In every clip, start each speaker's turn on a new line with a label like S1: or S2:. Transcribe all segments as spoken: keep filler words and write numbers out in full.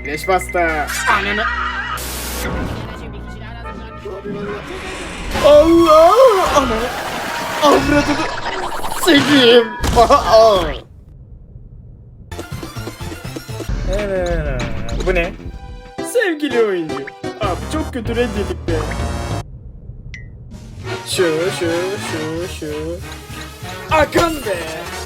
S1: Leş pasta. Ananı. Allah! Ananı. Avradını. Seveyim. Evet. Bu ne? Sevgili oyuncu. Abi çok kötü reddedik be. Şu şu şu şu. Akın be.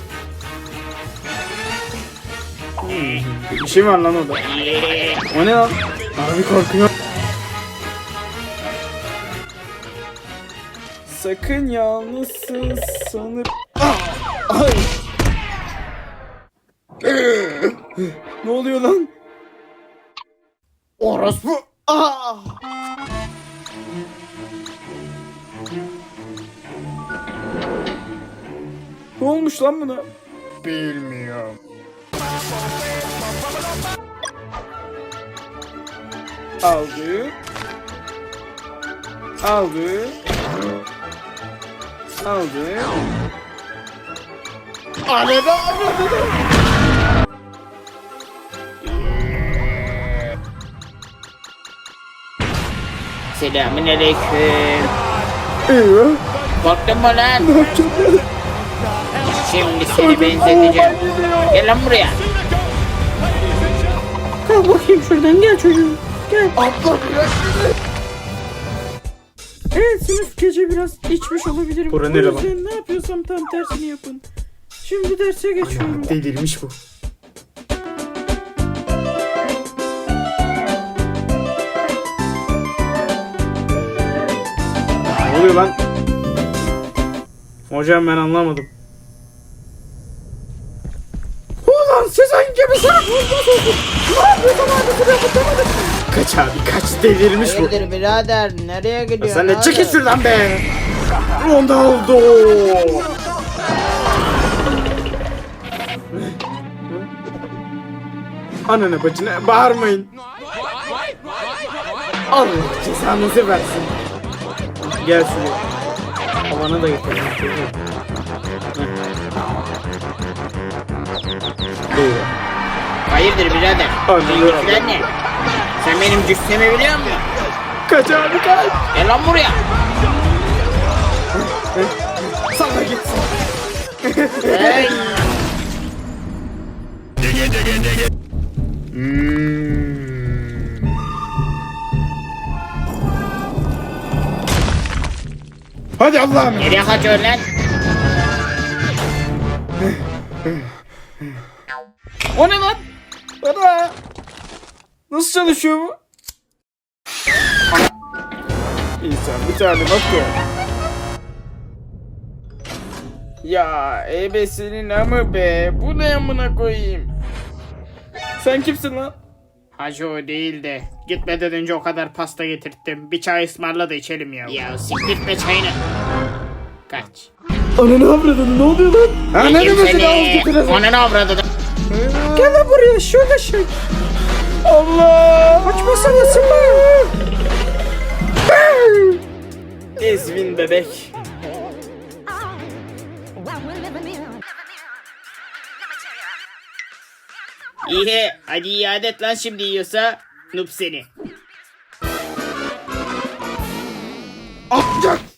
S1: Hmm, bir şey var lan orada. O ne lan? Abi korkuyor. Sakın yalnızsın sanır. Ah! Ay. Ne oluyor lan? Orospu. Ah! Ne olmuş lan buna? Bilmiyorum. Aldı. Aldı. Aldı. Arada arada.
S2: Selamünaleyküm.
S1: Eyvah.
S2: Korktun mu lan?
S1: Ne yapacağım ben?
S2: Şimdi seni benzeteceğim. Gel lan buraya.
S3: Kalk bakayım şuradan, gel çocuğum. Gel.
S1: Abla bırak beni.
S3: Evet, sınıf gece biraz içmiş olabilirim.
S1: Bura
S3: O
S1: nere lan?
S3: yüzden ne yapıyorsam tam tersini yapın. Şimdi derse geçiyorum.
S1: Delirmiş bu. Ne oluyor lan? Hocam ben anlamadım. Ulan siz hangi bir sana vurmadınız? Ne yapıyorsun abi? Şuraya tutamadık. Kaç abi kaç, delirmiş bu.
S2: Hayırdır birader, nereye gidiyorsun?
S1: Sen de
S2: abi?
S1: çekil şuradan be. Ronaldo. Ananı bacına bağırmayın. Allah cezanızı versin. Gel şuraya. Havana da getirelim. Doğru.
S2: Hayırdır birader?
S1: Anladım.
S2: Seninkiler ne? Sen benim cüssemi biliyor musun?
S1: Kaç abi kaç.
S2: Gel lan buraya.
S1: Sana gitsin.
S2: Hey.
S1: Hmm. Hadi Allah'ım.
S2: Nereye kaçıyorsun lan?
S1: O ne lan? Bana. Nasıl çalışıyor bu? İnsan bir tane bakıyor. Ya ebesinin amı be. Bu ne amına koyayım? Sen kimsin lan?
S2: Hacı o değil de gitmeden önce o kadar pasta getirttim. Bir çay ısmarla da içelim ya. Ya siktirtme çayını. Kaç.
S1: Ananı avradını, ne oluyor lan? Ananı
S2: Yedim
S1: mesela
S2: seni.
S1: al getirelim.
S2: Ananı avradı.
S3: Gel lan buraya, şöyle şey.
S1: Allah!
S3: Açmasana, sıkma.
S1: Ezvin bebek.
S2: İyi, hadi iade et lan şimdi yiyorsa. Noob seni.
S1: Atacak.